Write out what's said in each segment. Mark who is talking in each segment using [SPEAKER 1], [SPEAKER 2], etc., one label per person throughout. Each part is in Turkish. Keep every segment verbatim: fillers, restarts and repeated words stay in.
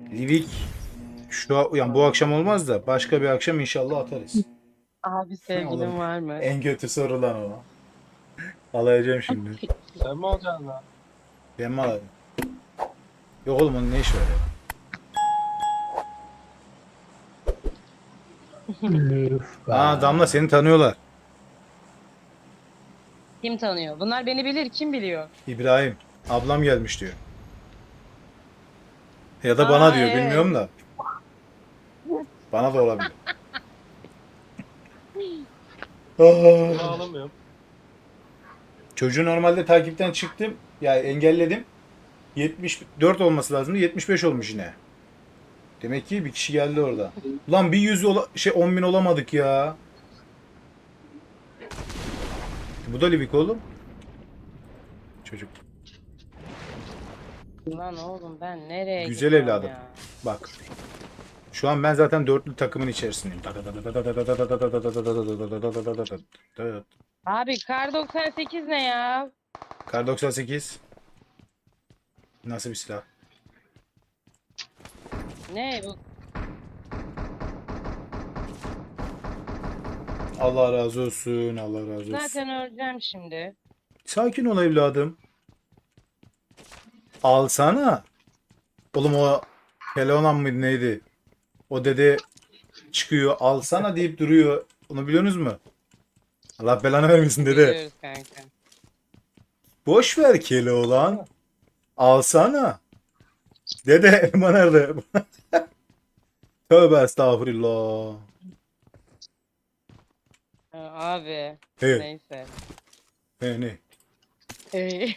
[SPEAKER 1] Livik şu yani bu akşam olmaz da başka bir akşam inşallah atarız.
[SPEAKER 2] Abi
[SPEAKER 1] Oğlum
[SPEAKER 2] sevgilin var mı?
[SPEAKER 1] en kötü sorulan o. Alayacağım şimdi.
[SPEAKER 3] Sen mi olacaksın lan?
[SPEAKER 1] Ben mi alayım? Yok oğlum onun ne işi var ya?
[SPEAKER 4] Üf be.
[SPEAKER 1] Aa Damla seni tanıyorlar.
[SPEAKER 2] Kim tanıyor? Bunlar beni bilir. Kim biliyor?
[SPEAKER 1] İbrahim. Ablam gelmiş diyor. Ya da bana
[SPEAKER 2] Aa,
[SPEAKER 1] diyor
[SPEAKER 2] evet.
[SPEAKER 1] bilmiyorum da. Bana da olabilir.
[SPEAKER 3] Bunu
[SPEAKER 1] Aa.
[SPEAKER 3] alamıyorum.
[SPEAKER 1] Çocuğu normalde takipten çıktım. Ya engelledim. yetmiş dört olması lazımdı. yetmiş beş olmuş yine. Demek ki bir kişi geldi orada. Ulan bir yüz ola şey on bin olamadık ya. Bu da Livik oğlum. Çocuk.
[SPEAKER 2] Lan oğlum ben nereye
[SPEAKER 1] Güzel
[SPEAKER 2] gidiyorum
[SPEAKER 1] evladım.
[SPEAKER 2] ya?
[SPEAKER 1] Bak. Şu an ben zaten dörtlü takımın içerisindeyim.
[SPEAKER 2] Abi kar doksan sekiz ne ya?
[SPEAKER 1] Kar doksan sekiz. Nasıl bir silah?
[SPEAKER 2] Ne bu?
[SPEAKER 1] Allah razı olsun. Allah razı olsun.
[SPEAKER 2] Zaten öleceğim şimdi.
[SPEAKER 1] Sakin ol evladım. Alsana. Oğlum o Keloğlan mıydı neydi? O dede çıkıyor alsana deyip duruyor. Onu biliyorsunuz mu? Allah belanı vermesin dede.
[SPEAKER 2] Biliyoruz kanka.
[SPEAKER 1] Boş ver Keloğlan. Alsana. Dede elma nerede? Tövbe estağfurullah.
[SPEAKER 2] Ha, abi.
[SPEAKER 1] He,
[SPEAKER 2] Neyse.
[SPEAKER 1] he ne?
[SPEAKER 2] Ee,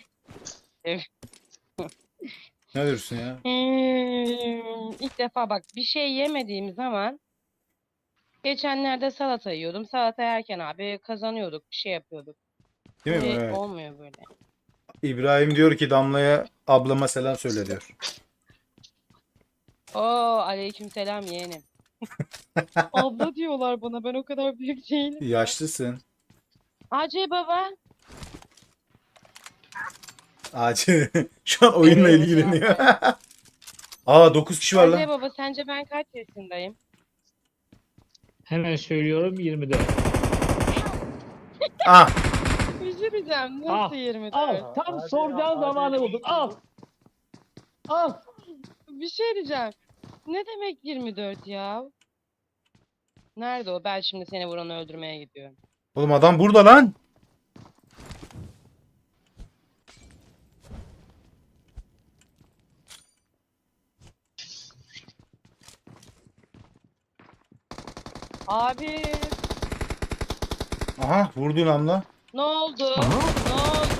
[SPEAKER 1] Ne diyorsun ya?
[SPEAKER 2] hmm, İlk defa bak bir şey yemediğim zaman geçenlerde salata yiyordum. Salata yerken abi kazanıyorduk. Bir şey yapıyorduk.
[SPEAKER 1] Değil mi?
[SPEAKER 2] Şimdi
[SPEAKER 1] Evet.
[SPEAKER 2] olmuyor böyle.
[SPEAKER 1] İbrahim diyor ki Damla'ya ablama selam söyle diyor.
[SPEAKER 2] Oo aleykümselam yeğenim. Abla diyorlar bana ben o kadar büyük değilim.
[SPEAKER 1] Yaşlısın.
[SPEAKER 2] Hacı baba.
[SPEAKER 1] Acil. Şu an oyunla
[SPEAKER 2] Evet,
[SPEAKER 1] ilgileniyor.
[SPEAKER 2] cevap ver.
[SPEAKER 1] Aa dokuz kişi var
[SPEAKER 2] Hacı
[SPEAKER 1] lan.
[SPEAKER 2] baba sence ben kaç yaşındayım?
[SPEAKER 4] Hemen söylüyorum yirmi dört.
[SPEAKER 1] Ah.
[SPEAKER 2] Bir şey diyeceğim.
[SPEAKER 4] Al.
[SPEAKER 2] Nasıl yirmi dört?
[SPEAKER 4] Al. Tam
[SPEAKER 3] Hadi,
[SPEAKER 4] soracağın
[SPEAKER 3] hadi.
[SPEAKER 4] zamanı buldun. Al. Al.
[SPEAKER 2] Bir şey diyeceğim. Ne demek yirmi dört ya? Nerede o? Ben şimdi seni vuranı öldürmeye gidiyorum.
[SPEAKER 1] Oğlum adam burada lan.
[SPEAKER 2] Abi
[SPEAKER 1] Aha vurdu namla.
[SPEAKER 2] ne oldu?
[SPEAKER 4] Aha.
[SPEAKER 2] Ne oldu?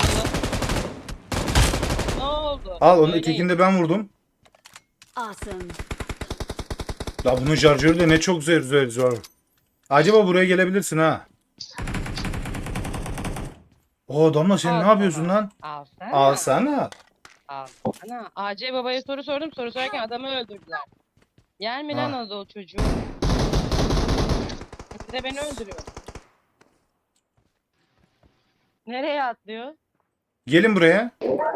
[SPEAKER 2] Ne oldu?
[SPEAKER 1] Al onun
[SPEAKER 2] Söyleyin.
[SPEAKER 1] ötekini de ben vurdum.
[SPEAKER 5] Awesome.
[SPEAKER 1] Ya bunun şarjörü de ne çok zor zor zor. Acaba buraya gelebilirsin ha. Oo Damla sen
[SPEAKER 2] Al
[SPEAKER 1] ne yapıyorsun
[SPEAKER 2] sana.
[SPEAKER 1] lan?
[SPEAKER 2] Alsana.
[SPEAKER 1] Alsana.
[SPEAKER 2] Alsana. A C babaya soru sordum. Soru sorarken adamı öldürdüler. Yer mi lan
[SPEAKER 1] Ha.
[SPEAKER 2] Anadolu çocuğu? Bir de beni öldürüyor. Nereye atlıyor?
[SPEAKER 1] Gelin buraya.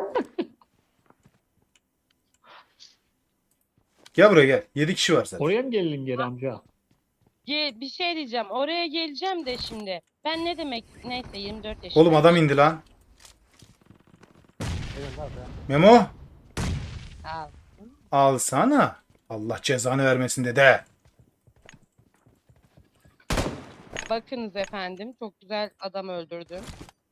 [SPEAKER 1] Gel buraya gel. Yedi kişi var zaten.
[SPEAKER 4] Oraya mı geldin geri amca?
[SPEAKER 2] Ge bir şey diyeceğim. Oraya geleceğim de şimdi. Ben ne demek? Neyse yirmi dört yaşındayım.
[SPEAKER 1] Oğlum adam indi lan.
[SPEAKER 3] Benim lan ben.
[SPEAKER 1] Memo.
[SPEAKER 2] Al.
[SPEAKER 1] Alsana. Allah cezanı vermesin dede.
[SPEAKER 2] Bakınız efendim. Çok güzel adam öldürdüm.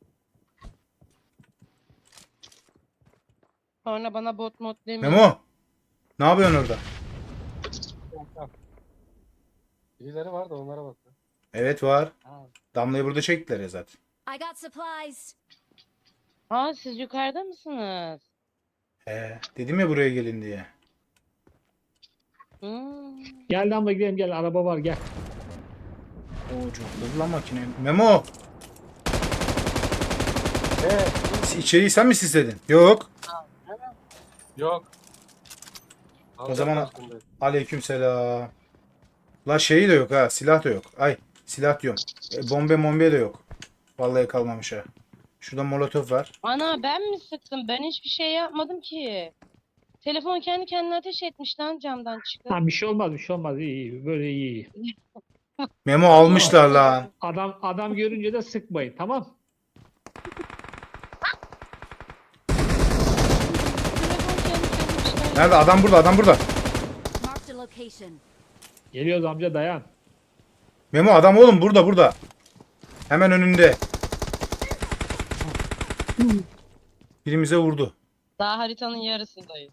[SPEAKER 2] Sonra bana bot mod demeyin.
[SPEAKER 1] Memo. Ne yapıyorsun orada?
[SPEAKER 3] Tamam, tamam. Birileri var da onlara bak.
[SPEAKER 1] Evet var.
[SPEAKER 2] Al.
[SPEAKER 1] Damlayı burada çektiler ya zaten.
[SPEAKER 5] I got supplies.
[SPEAKER 2] Aa siz yukarıda mısınız?
[SPEAKER 1] He, dedim ya buraya gelin diye.
[SPEAKER 2] Hmm.
[SPEAKER 4] Gel lan gidelim gel. Araba var gel.
[SPEAKER 1] Oo çok hızlı lan makine. Memo.
[SPEAKER 3] Evet.
[SPEAKER 1] İçeriği sen mi sisledin? Yok.
[SPEAKER 3] Yok.
[SPEAKER 1] O zaman-
[SPEAKER 3] Aslında.
[SPEAKER 1] Aleykümselam. La şeyi de yok ha. Silah da yok. Ay silah diyorum. E, bombe mombe de yok. Vallahi kalmamış ha. Şurada molotof var.
[SPEAKER 2] Ana ben mi sıktım? Ben hiçbir şey yapmadım ki. Telefon kendi kendine ateş etmiş lan camdan çıkıp.
[SPEAKER 4] Ha, bir şey olmaz bir şey olmaz iyi iyi böyle iyi iyi.
[SPEAKER 1] Memo almışlar lan.
[SPEAKER 4] Adam adam görünce de sıkmayın tamam.
[SPEAKER 2] Telefon kendi kendine çıkar.
[SPEAKER 1] Nerede? Adam burada, adam burada.
[SPEAKER 5] Marked a location.
[SPEAKER 4] Geliyoruz amca dayan.
[SPEAKER 1] Memo adam oğlum burada burada. Hemen önünde. Birimize vurdu.
[SPEAKER 2] Daha haritanın yarısındayız.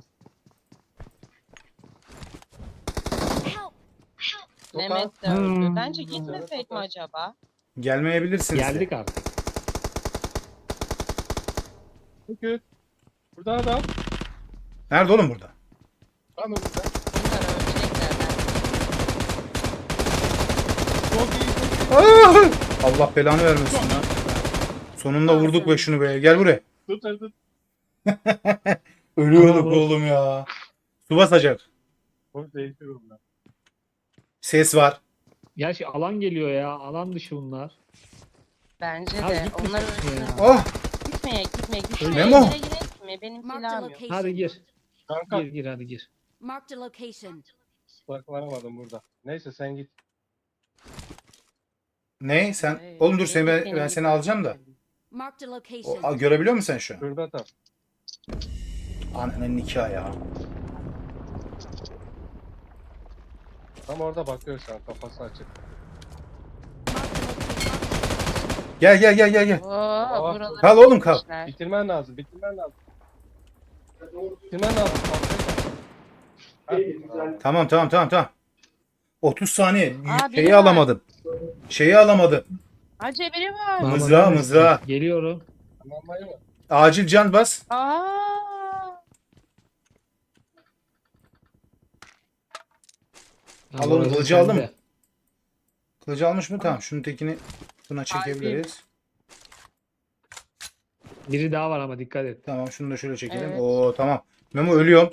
[SPEAKER 5] Help!
[SPEAKER 2] Mehmet de öldü.
[SPEAKER 4] Hmm.
[SPEAKER 2] Bence gitmesek mi acaba?
[SPEAKER 1] Gelmeyebilirsiniz. de.
[SPEAKER 4] Geldik artık.
[SPEAKER 3] Çünkü burada adam.
[SPEAKER 1] Nerede oğlum burada?
[SPEAKER 3] Tam önünde.
[SPEAKER 2] Bunlar ölecekler.
[SPEAKER 3] Çok iyi.
[SPEAKER 1] Ah! Allah belanı vermesin lan. Sonunda vurduk be şunu be. Gel buraya.
[SPEAKER 3] Tut tut tut.
[SPEAKER 1] Ölüyorduk
[SPEAKER 4] Bravo.
[SPEAKER 1] oğlum ya. Su basacak.
[SPEAKER 3] Çok değişiyor bunlar.
[SPEAKER 1] Ses var.
[SPEAKER 4] Gerçi alan geliyor ya. Alan dışı bunlar.
[SPEAKER 2] Bence
[SPEAKER 4] Ya
[SPEAKER 2] de.
[SPEAKER 4] gitmesin
[SPEAKER 2] Onlar
[SPEAKER 4] ya.
[SPEAKER 2] ölsün.
[SPEAKER 1] Oh!
[SPEAKER 2] Gitmeye gitmeye gitmeye.
[SPEAKER 1] Memo.
[SPEAKER 2] Gire gire gitmeye. Benim
[SPEAKER 5] Marked a
[SPEAKER 2] silahım yok.
[SPEAKER 5] location.
[SPEAKER 4] Hadi gir.
[SPEAKER 3] Kanka
[SPEAKER 4] Gir gir hadi gir.
[SPEAKER 5] Marked a location.
[SPEAKER 3] saklanamadım burada. Neyse sen git.
[SPEAKER 1] Ne? Sen
[SPEAKER 2] Hey,
[SPEAKER 1] oğlum dur seni ben,
[SPEAKER 2] benim
[SPEAKER 1] ben
[SPEAKER 2] gibi
[SPEAKER 1] seni alacağım da.
[SPEAKER 5] Marked a
[SPEAKER 1] O,
[SPEAKER 5] location.
[SPEAKER 1] a, görebiliyor musun sen şu an?
[SPEAKER 3] Şurada tam.
[SPEAKER 1] Ananın nikahı ya.
[SPEAKER 3] Tam orada bakıyor şu an kafası açık.
[SPEAKER 1] Gel gel gel gel gel.
[SPEAKER 2] Oo,
[SPEAKER 3] Aa,
[SPEAKER 2] buralara
[SPEAKER 1] Kal oğlum, kal.
[SPEAKER 2] gitmişler.
[SPEAKER 3] Bitirmen lazım. Bitirmen lazım. Bitirmen lazım. Heh,
[SPEAKER 1] Tamam tamam tamam tamam. otuz saniye.
[SPEAKER 2] Aa, biri
[SPEAKER 1] Şeyi
[SPEAKER 2] var.
[SPEAKER 1] alamadım. Şeyi alamadım.
[SPEAKER 2] Acı biri var.
[SPEAKER 4] Bana
[SPEAKER 1] Mızrağı,
[SPEAKER 4] bakar mısın?
[SPEAKER 1] mızrağı.
[SPEAKER 4] Geliyorum.
[SPEAKER 3] Tamamlayı mı?
[SPEAKER 1] Acil can bas.
[SPEAKER 2] Aa.
[SPEAKER 1] Al oğlum,
[SPEAKER 4] Burası
[SPEAKER 1] kılıcı aldın
[SPEAKER 4] sende.
[SPEAKER 1] mı? Kılıcı almış mı? Tamam. Şunun tekini buna çekebiliriz.
[SPEAKER 4] Biri daha var ama dikkat et.
[SPEAKER 1] Tamam şunu da şöyle çekelim.
[SPEAKER 2] Evet.
[SPEAKER 1] Oo tamam. Memo ölüyorum.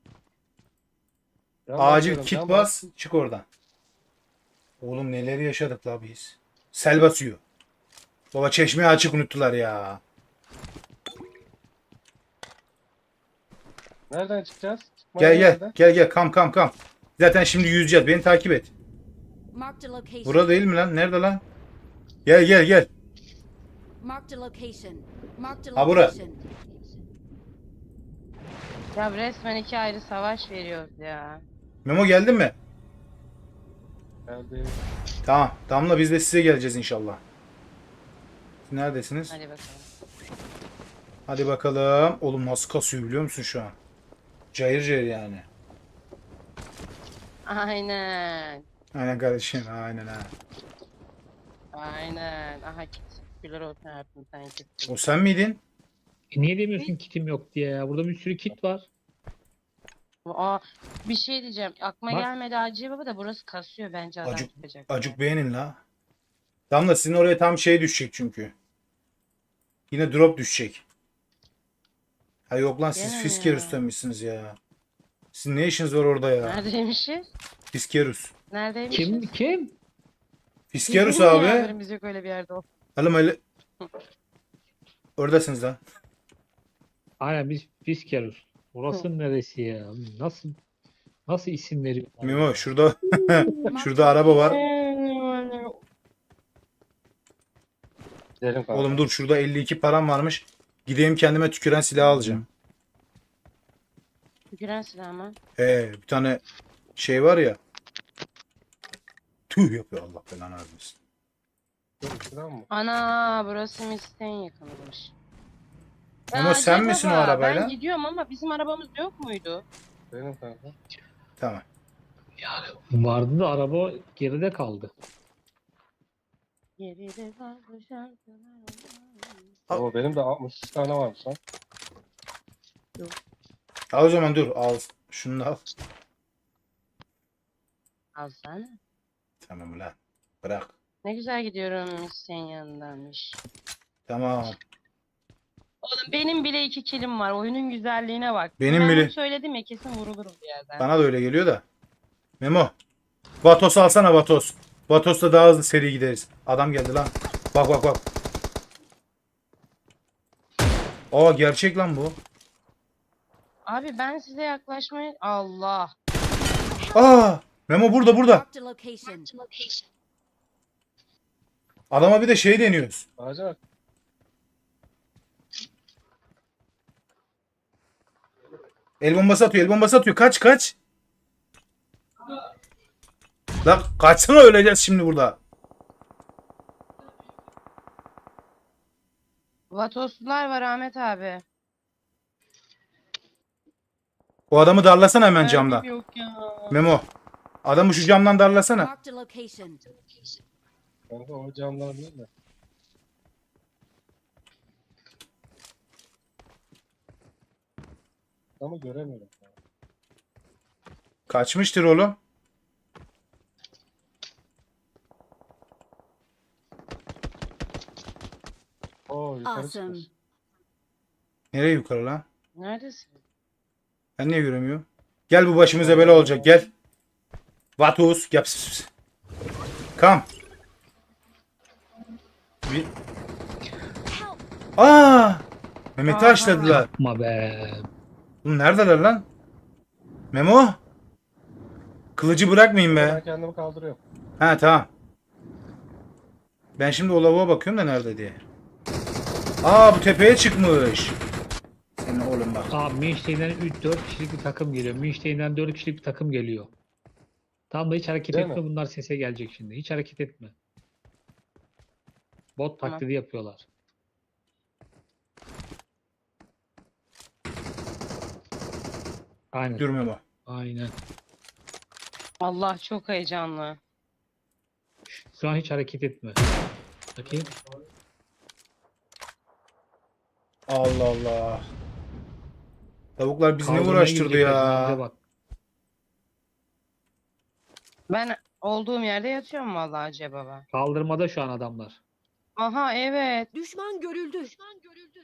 [SPEAKER 3] Can
[SPEAKER 1] Acil
[SPEAKER 3] basıyorum,
[SPEAKER 1] kit
[SPEAKER 3] can
[SPEAKER 1] bas. Çık oradan. Oğlum neleri yaşadık la biz. Sel basıyor. Baba çeşmeyi açık unuttular ya.
[SPEAKER 3] Nereden çıkacağız? Çıkma
[SPEAKER 1] Gel
[SPEAKER 3] yeri
[SPEAKER 1] gel.
[SPEAKER 3] nerede?
[SPEAKER 1] Gel gel kam kam kam. Zaten şimdi yüzeceğiz. Beni takip et.
[SPEAKER 5] Marked a location.
[SPEAKER 1] Burada değil mi lan? Nerede lan? Gel gel gel.
[SPEAKER 5] Marked a location. Marked a
[SPEAKER 1] Ha, bura.
[SPEAKER 5] location.
[SPEAKER 2] Ya resmen iki ayrı savaş veriyoruz ya.
[SPEAKER 1] Memo geldin mi?
[SPEAKER 3] Geldi.
[SPEAKER 1] Tamam. Damla biz de size geleceğiz inşallah. Siz neredesiniz?
[SPEAKER 2] Hadi bakalım.
[SPEAKER 1] Hadi bakalım. Oğlum nasıl kasıyor biliyor musun şu an? Cayır cayır yani.
[SPEAKER 2] Aynen.
[SPEAKER 1] Aynen kardeşim. Aynen ha.
[SPEAKER 2] Aynen. Aha git. Güler olsun hayatım sen gitsin.
[SPEAKER 1] O sen miydin?
[SPEAKER 4] E niye demiyorsun kitim yok diye ya? Burada bir sürü kit var.
[SPEAKER 2] Aa, bir şey diyeceğim. Aklıma
[SPEAKER 4] Bak.
[SPEAKER 2] gelmedi Hacı Baba da burası kasıyor bence adam
[SPEAKER 1] Acık-
[SPEAKER 2] çıkacak.
[SPEAKER 1] Acık beğenin la. Damla sizin oraya tam şey düşecek çünkü. Yine drop düşecek. Ha yok lan siz
[SPEAKER 2] Gene mi
[SPEAKER 1] Fiskerus'tan mısınız ya? Sizin ne işiniz var orada ya?
[SPEAKER 2] Neredeymişiz?
[SPEAKER 1] Fiskerus.
[SPEAKER 2] Neredeymişiz?
[SPEAKER 4] Kim kim?
[SPEAKER 1] Fiskerus
[SPEAKER 2] Bizim
[SPEAKER 1] abi.
[SPEAKER 2] haberimiz yok öyle bir yerde o.
[SPEAKER 1] Oğlum öyle. Oradasınız lan.
[SPEAKER 4] Aynen biz Fiskerus. Burası neresi ya? Nasıl nasıl isim veriyor?
[SPEAKER 1] Memo şurada şurada araba var.
[SPEAKER 3] Gidelim kanka.
[SPEAKER 1] Oğlum dur şurada elli iki param varmış. Gideyim kendime tüküren silah alacağım.
[SPEAKER 2] Tüküren silah mı?
[SPEAKER 1] He bir tane şey var ya. Tüh yapıyor Allah belanı vermesin.
[SPEAKER 3] Dur, şuradan mı?
[SPEAKER 2] Ana burası Mis'ten yakınmış.
[SPEAKER 1] Ama
[SPEAKER 2] Ya
[SPEAKER 1] sen
[SPEAKER 2] Hacı
[SPEAKER 1] misin o
[SPEAKER 2] Baba,
[SPEAKER 1] arabayla?
[SPEAKER 2] Ben gidiyorum ama bizim arabamız yok muydu?
[SPEAKER 3] Benim kanka.
[SPEAKER 1] Tamam.
[SPEAKER 4] Vardı da araba geride kaldı.
[SPEAKER 2] Geride kaldı şarkılar.
[SPEAKER 1] Al.
[SPEAKER 3] Oo, benim de altmış üç tane varmış lan.
[SPEAKER 1] Al o zaman dur al. Şunu da al.
[SPEAKER 2] Alsana.
[SPEAKER 1] Tamam lan. Bırak.
[SPEAKER 2] Ne güzel gidiyorum Mis'ten yanındanmış.
[SPEAKER 1] Tamam.
[SPEAKER 2] Oğlum benim bile iki kilim var. Oyunun güzelliğine bak.
[SPEAKER 1] Benim
[SPEAKER 2] ben
[SPEAKER 1] bile-
[SPEAKER 2] bunu söyledim ya kesin vurulurum bir yerden.
[SPEAKER 1] Bana da öyle geliyor da. Memo. Vatos alsana Vatos. Vatos'ta daha hızlı seri gideriz. Adam geldi lan. Bak bak bak. Aa gerçek lan bu.
[SPEAKER 2] Abi ben size yaklaşmaya... Allah.
[SPEAKER 1] Aa! Memo burada burada.
[SPEAKER 5] Marked a location.
[SPEAKER 1] Adama bir de şey deniyoruz.
[SPEAKER 3] Ağaca bak.
[SPEAKER 1] El bombası atıyor, el bombası atıyor. Kaç kaç. Lan kaçsana, öleceğiz şimdi burada.
[SPEAKER 2] Vatoslular var Ahmet abi.
[SPEAKER 1] O adamı darlasana hemen
[SPEAKER 2] Mermim
[SPEAKER 1] camdan.
[SPEAKER 2] yok ya.
[SPEAKER 1] Memo. Adamı şu camdan darlasana.
[SPEAKER 5] Marked a location.
[SPEAKER 3] Kanka o camlar değil de. Ama göremiyorum.
[SPEAKER 1] Kaçmıştır oğlum.
[SPEAKER 3] Oo yukarı
[SPEAKER 5] Awesome.
[SPEAKER 3] çıkmış.
[SPEAKER 1] Nereye yukarı lan?
[SPEAKER 2] Neredesin?
[SPEAKER 1] Ben niye göremiyorum? Gel, bu başımıza bela olacak, gel. Vatus. Gel. Pıs, pıs. Kam. Bir...
[SPEAKER 5] Help!
[SPEAKER 1] Aa! Mehmet'i
[SPEAKER 2] Aha.
[SPEAKER 1] açladılar.
[SPEAKER 4] Yapma be.
[SPEAKER 1] Oğlum neredeler lan? Memo. Kılıcı bırakmayayım
[SPEAKER 3] Ben
[SPEAKER 1] be.
[SPEAKER 3] kendimi kaldırıyorum.
[SPEAKER 1] Ha tamam. Ben şimdi o lavuğa bakıyorum da nerede diye. Aa, bu tepeye çıkmış. Senin oğlum bak.
[SPEAKER 4] Aa, Münch'ten üç dört kişilik bir takım geliyor. Münch'ten dört kişilik bir takım geliyor. Tam da hiç hareket
[SPEAKER 3] Değil
[SPEAKER 4] etme,
[SPEAKER 3] mi?
[SPEAKER 4] bunlar sese gelecek şimdi. Hiç hareket etme. Bot
[SPEAKER 2] Tamam.
[SPEAKER 4] taklidi yapıyorlar. Aynen.
[SPEAKER 1] Dur Memo.
[SPEAKER 4] Aynen.
[SPEAKER 2] Allah çok heyecanlı.
[SPEAKER 4] Şu an hiç hareket etme. Bakayım.
[SPEAKER 1] Allah Allah. Tavuklar bizi ne
[SPEAKER 4] Kaldırmaya
[SPEAKER 1] uğraştırdı
[SPEAKER 4] gidecekler şimdi,
[SPEAKER 1] ya.
[SPEAKER 4] bize bak.
[SPEAKER 2] Ben olduğum yerde yatıyorum vallahi Hacı baba.
[SPEAKER 4] Kaldırmada şu an adamlar.
[SPEAKER 2] Aha evet.
[SPEAKER 5] Düşman görüldü. Düşman görüldü.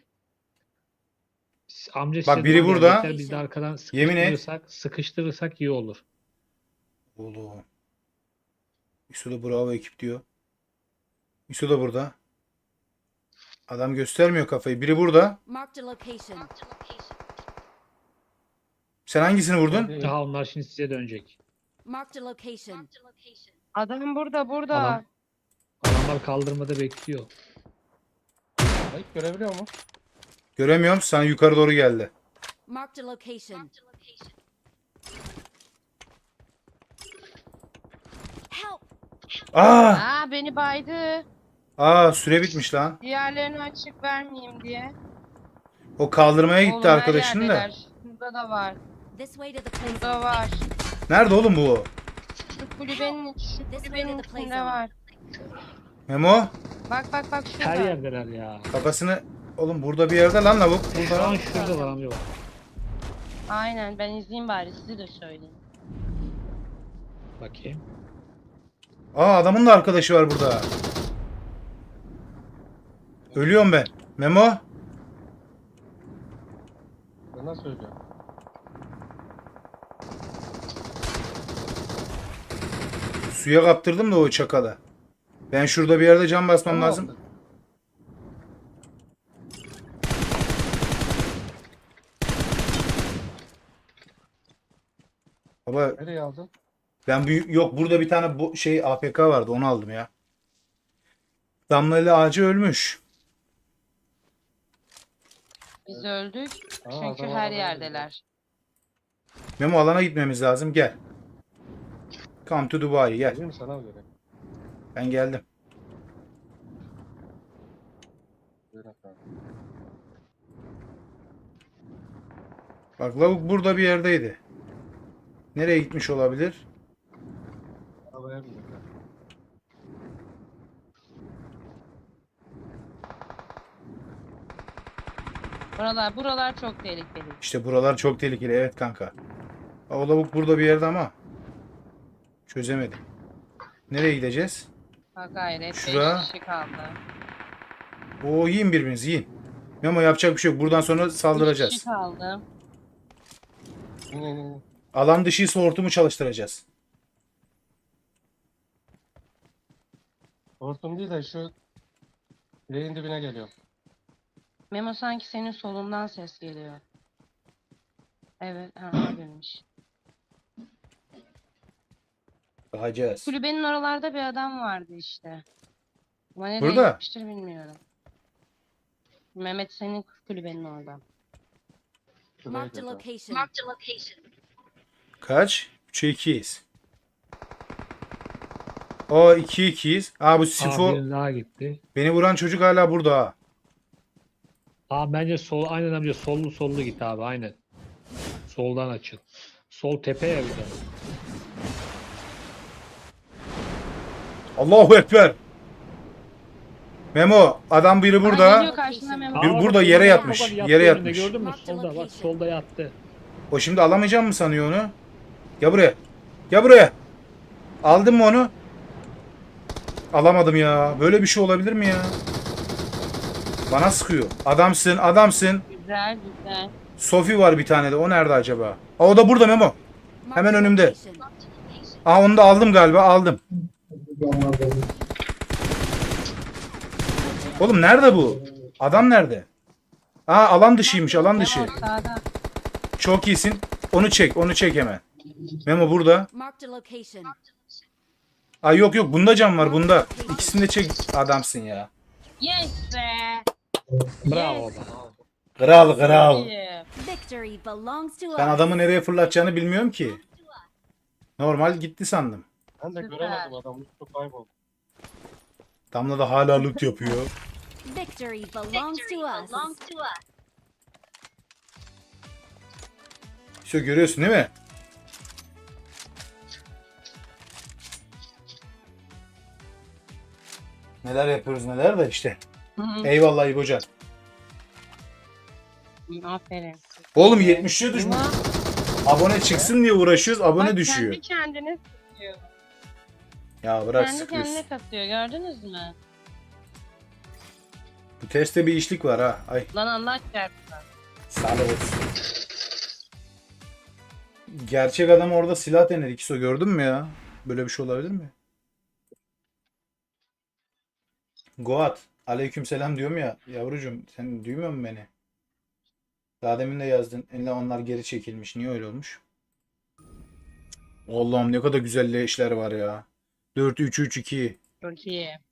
[SPEAKER 4] Amca
[SPEAKER 1] Bak,
[SPEAKER 4] size
[SPEAKER 1] biri
[SPEAKER 4] doğru
[SPEAKER 1] burada.
[SPEAKER 4] gelecekler, Biz de arkadan
[SPEAKER 1] Yemin et.
[SPEAKER 4] sıkıştırırsak, sıkıştırırsak iyi olur.
[SPEAKER 1] Oğlum. Yusuf da bravo ekip diyor. Yusuf da burada. Adam göstermiyor kafayı. Biri burada.
[SPEAKER 5] Marked a location.
[SPEAKER 1] Sen hangisini vurdun?
[SPEAKER 3] Hadi.
[SPEAKER 4] Daha onlar şimdi size dönecek.
[SPEAKER 5] Marked a location.
[SPEAKER 2] Adam burada burada.
[SPEAKER 4] Adam- Adamlar kaldırmada bekliyor.
[SPEAKER 3] Ay görebiliyor mu?
[SPEAKER 1] Göremiyorum. Sana yukarı doğru geldi.
[SPEAKER 5] Marked a location. Help!
[SPEAKER 1] Aa!
[SPEAKER 2] Aa beni baydı.
[SPEAKER 1] Aa, süre bitmiş lan.
[SPEAKER 2] Diğerlerini açık vermeyeyim diye.
[SPEAKER 1] O kaldırmaya gitti
[SPEAKER 2] Oğlum her
[SPEAKER 1] arkadaşın da.
[SPEAKER 2] yerdeler. Şurada da var.
[SPEAKER 5] This way to the play
[SPEAKER 2] Burada
[SPEAKER 5] zone.
[SPEAKER 2] var.
[SPEAKER 1] Nerede oğlum bu?
[SPEAKER 2] Şu kulübenin, şu
[SPEAKER 5] This way
[SPEAKER 2] kulübenin
[SPEAKER 5] to the play
[SPEAKER 2] içinde
[SPEAKER 5] zone.
[SPEAKER 2] var.
[SPEAKER 1] Memo.
[SPEAKER 2] Bak bak bak şurada.
[SPEAKER 4] Her yerdeler ya.
[SPEAKER 1] Kafasını... Oğlum burada bir yerde lan lavuk.
[SPEAKER 4] Şu
[SPEAKER 1] Burada.
[SPEAKER 4] an şurada var amca bak.
[SPEAKER 2] Aynen ben izleyeyim bari size de söyleyeyim.
[SPEAKER 4] Bakayım.
[SPEAKER 1] Aa, adamın da arkadaşı var burada. Ölüyorum ben. Memo.
[SPEAKER 3] Ben nasıl söylüyorum?
[SPEAKER 1] Suya kaptırdım da o çakala. Ben şurada bir yerde cam basmam
[SPEAKER 3] Tamam.
[SPEAKER 1] lazım. Baba
[SPEAKER 3] Nereye aldın?
[SPEAKER 1] ben büyük yok, burada bir tane bu şey A P K vardı, onu aldım ya. Damla ile ağacı ölmüş.
[SPEAKER 2] Biz öldük
[SPEAKER 3] Aa,
[SPEAKER 2] çünkü
[SPEAKER 3] adam
[SPEAKER 2] her
[SPEAKER 3] arabaya
[SPEAKER 2] yerdeler.
[SPEAKER 1] Memo, alana gitmemiz lazım, gel. Come to Dubai, gel.
[SPEAKER 3] Değil mi sana göre?
[SPEAKER 1] Ben geldim.
[SPEAKER 3] Buyur efendim.
[SPEAKER 1] Bak, lavuk burada bir yerdeydi. Nereye gitmiş olabilir?
[SPEAKER 3] Arabaya bindik.
[SPEAKER 2] Buralar buralar çok tehlikeli.
[SPEAKER 1] İşte buralar çok tehlikeli, evet kanka. O lavuk burada bir yerde ama çözemedim. Nereye gideceğiz?
[SPEAKER 2] Ha gayret
[SPEAKER 1] Şura.
[SPEAKER 2] beş kişi kaldı.
[SPEAKER 1] Oo, yiyin birbirinizi, yiyin. Memo, yapacak bir şey yok. Buradan sonra
[SPEAKER 2] Bir kişi
[SPEAKER 1] saldıracağız.
[SPEAKER 2] kaldı.
[SPEAKER 3] İn in in.
[SPEAKER 1] Alan dışı hortumu çalıştıracağız.
[SPEAKER 3] Hortum değil de şu direğin dibine geliyor.
[SPEAKER 2] Memo sanki senin solundan ses geliyor. Evet, ha, abimmiş.
[SPEAKER 1] Bakacağız.
[SPEAKER 2] Kulübenin oralarda bir adam vardı işte. Ama nereye
[SPEAKER 1] Burada.
[SPEAKER 2] gitmiştir bilmiyorum. Mehmet senin kulübenin orada.
[SPEAKER 5] Marked a
[SPEAKER 3] Şuraya
[SPEAKER 5] location.
[SPEAKER 1] Kaç? üçe ikiyiz. O iki ikiyiz. Aa bu
[SPEAKER 4] Aa,
[SPEAKER 1] Sifo
[SPEAKER 4] birinin daha gitti.
[SPEAKER 1] beni vuran çocuk hala burada ha.
[SPEAKER 4] Aa, bence sol, aynen amca sollu sollu git abi, aynen. Soldan açıl. Sol tepeye bir de.
[SPEAKER 1] Allahu Ekber. Memo adam biri
[SPEAKER 2] Aa,
[SPEAKER 1] burada.
[SPEAKER 2] geliyor karşına Memo.
[SPEAKER 1] Bir
[SPEAKER 4] Aa,
[SPEAKER 1] burada
[SPEAKER 4] bak,
[SPEAKER 1] yere
[SPEAKER 4] bak,
[SPEAKER 1] yatmış,
[SPEAKER 4] bak, yattı
[SPEAKER 1] yere
[SPEAKER 4] önünde,
[SPEAKER 1] yatmış.
[SPEAKER 4] gördün mü?
[SPEAKER 5] Marked
[SPEAKER 4] Solda bak,
[SPEAKER 5] location.
[SPEAKER 4] solda yattı.
[SPEAKER 1] O şimdi alamayacağım mı sanıyor onu? Gel buraya. Gel buraya. Aldın mı onu? Alamadım ya. Böyle bir şey olabilir mi ya? Bana sıkıyor. Adamsın, adamsın.
[SPEAKER 2] Güzel güzel.
[SPEAKER 1] Sofi var bir tane de. O nerede acaba? Aa, o da burada Memo.
[SPEAKER 5] Marked
[SPEAKER 1] Hemen
[SPEAKER 5] a
[SPEAKER 1] önümde.
[SPEAKER 5] location.
[SPEAKER 1] Aa onu da aldım galiba. Aldım. Oğlum nerede bu? Adam nerede? Aa alan dışıymış, alan dışı.
[SPEAKER 2] Memo sağda.
[SPEAKER 1] Çok iyisin. Onu çek, onu çek hemen. Memo burada.
[SPEAKER 5] Marked a location.
[SPEAKER 1] Ay yok yok bunda cam var bunda. İkisini de çek. Adamsın ya.
[SPEAKER 2] Yes be.
[SPEAKER 4] Bravo
[SPEAKER 2] Yes.
[SPEAKER 4] be.
[SPEAKER 1] Kral kral.
[SPEAKER 2] İyi.
[SPEAKER 5] Victory belongs to
[SPEAKER 1] Ben
[SPEAKER 5] us.
[SPEAKER 1] adamı nereye fırlatacağını bilmiyorum ki. Normal gitti sandım.
[SPEAKER 3] Ben de
[SPEAKER 2] Süper.
[SPEAKER 3] göremedim adamı. Çok kayboldu.
[SPEAKER 1] Damla da hala loot yapıyor.
[SPEAKER 5] Victory belongs to us.
[SPEAKER 1] İşte görüyorsun değil mi? Neler yapıyoruz neler de işte.
[SPEAKER 2] Hı hı.
[SPEAKER 1] Eyvallah İbocan.
[SPEAKER 2] Aferin.
[SPEAKER 1] Oğlum yetmiş düşmüş.
[SPEAKER 2] Memo,
[SPEAKER 1] Abone çıksın diye uğraşıyoruz abone
[SPEAKER 2] bak
[SPEAKER 1] düşüyor.
[SPEAKER 2] kendi kendine sıkıyor.
[SPEAKER 1] Ya bırak
[SPEAKER 2] Kendi
[SPEAKER 1] sıkıyorsun.
[SPEAKER 2] kendine kasıyor gördünüz mü?
[SPEAKER 1] Bu testte bir işlik var ha. Ay
[SPEAKER 2] Lan Allah çarpsın.
[SPEAKER 1] sağ olsun. Gerçek adam orada silah denedi. İkisi gördün mü ya? Böyle bir şey olabilir mi? Goat. Aleykümselam diyorum ya. Yavrucuğum sen duymuyor musun beni? Daha demin de yazdın. Eline onlar geri çekilmiş. Niye öyle olmuş? Allah'ım ne kadar güzel işler var ya. dört üç üç iki.
[SPEAKER 2] Çok iyi.